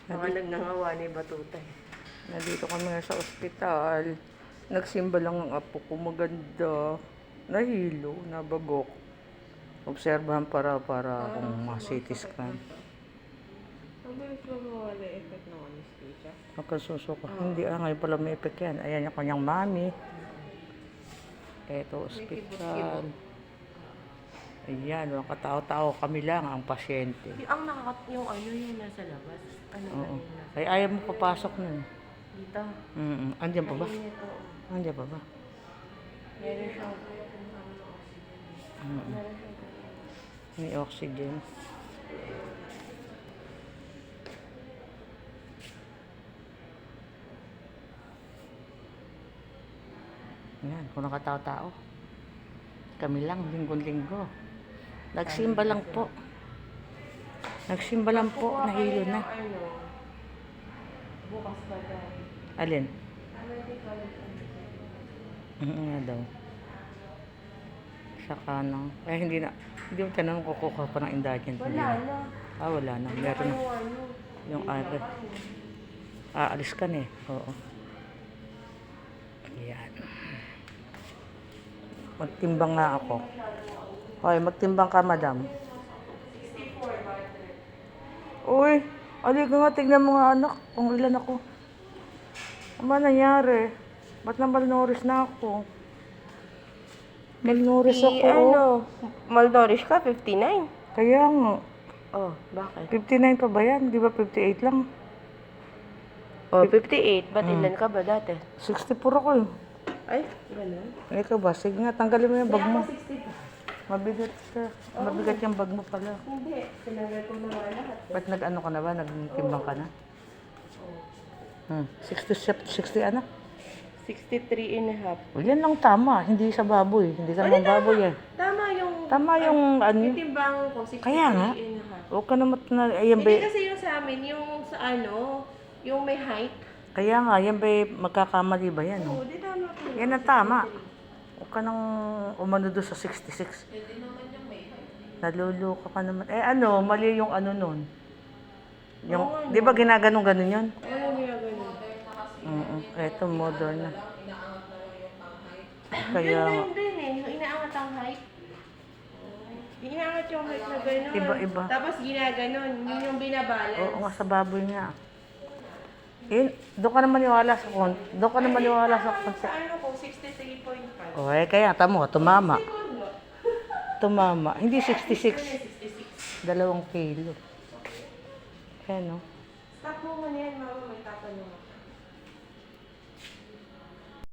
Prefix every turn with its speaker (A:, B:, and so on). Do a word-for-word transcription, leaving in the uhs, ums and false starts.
A: Mga nagnangawa ni Batutay.
B: Nandito kami nga sa ospital. Nagsimba lang ang apo ko. Maganda. Nahilo, nabagok. Obserbahan para para kung ma-C T scan.
A: Ang bilis ba mawala effect ng anesthesia?
B: Magkasusuka. Hindi ah, ngayon pala may effect yan. Ayan yung kanyang mami. Eto, ospital. Ayan, walang katao-tao. Kami lang ang pasyente.
A: Yung, ang nakakat yung ano yung nasa labas. Ano ba
B: Oo.
A: yung nasa
B: Ay, ayaw mo papasok nun.
A: dito?
B: Mm-mm. Andiyan pa ba?
A: Mainit, oo.
B: Andiyan pa ba?
A: Meron siyang
B: Mm-mm.
A: meron siyang
B: May oxygen. Yan, kung nakatao-tao. Kami lang, linggo-linggo. Nagsimba lang po. Nagsimba lang po, nahilo na.
A: ano, bukas pa dahil.
B: Alin?
A: Medical.
B: Oo nga daw. Saka nang, eh hindi na, hindi mo tanong kukuha pa ng indagent.
A: Wala na.
B: Ah, wala na. Meron na.
A: Yung ano.
B: Yung ano. Aalis ka na eh. Oo. Ayan. Magtimbang nga ako. Hoy, magtimbang ka, madam. Uy, alika nga, tignan mo nga anak, kung ilan ako. Ano ba nangyari? Ba't na malnourished na ako? Malnourished ako.
A: Si ano, malnourished ka, fifty-nine.
B: Kaya nga,
A: Oh, bakit?
B: fifty-nine pa ba yan? Di ba fifty-eight lang?
A: Oh, fifty-eight. Ba't
B: Mm.
A: ilan ka ba dati?
B: sixty-four ako eh.
A: Ay, ganun.
B: Ikaw ba? Sige nga, tanggalin mo yung bag mo.
A: sixty pa.
B: Mabigat ka. Mabigat yung bag mo pala.
A: Hindi, sinanggal ko na nga lahat.
B: Ba't nag-ano ka na ba? Nagtimbang ka na? Hmm. sixty, sixty ano?
A: sixty-three and a half.
B: O, yan lang tama. Hindi sa baboy. Hindi sa mga baboy eh.
A: Tama yung...
B: Tama yung ano.
A: Yung timbangan ko, sixty-three
B: Kaya nga.
A: and a half.
B: Huwag ka naman na... Ayan ba?
A: Hindi kasi yung sa amin, yung sa ano, yung may height.
B: Kaya nga, yan ba magkakamali ba yan?
A: Oo,
B: Oh?
A: di tama ko.
B: Yan ang tama. Huwag ka nang umano doon sa sixty-six.
A: Hindi naman yung may height.
B: Naluluka ka naman. Eh ano, mali yung ano nun. Yung,
A: Oo,
B: di ba ginaganon-ganon yun?
A: Ano niya ganun?
B: Oo. Eto, modern na.
A: Kaya...
B: Kaya,
A: Ganun din eh, yung inaangat ang height. Inaangat yung height na gano'n.
B: Iba-iba.
A: Tapos ginaganon, yun yung binabalance.
B: oo nga sa baboy nga. Yun, doon ka naman maniwala sa kon. Doon ka naman maniwala sa kon.
A: Sa ano ko, sixty-three point five.
B: O, eh, kaya, tamo, tumama.
A: Segundo.
B: Tumama. Hindi sixty-six.
A: sixty-six.
B: Dalawang kilo. Ayan, no?
A: Stop mo muna yan, mama. May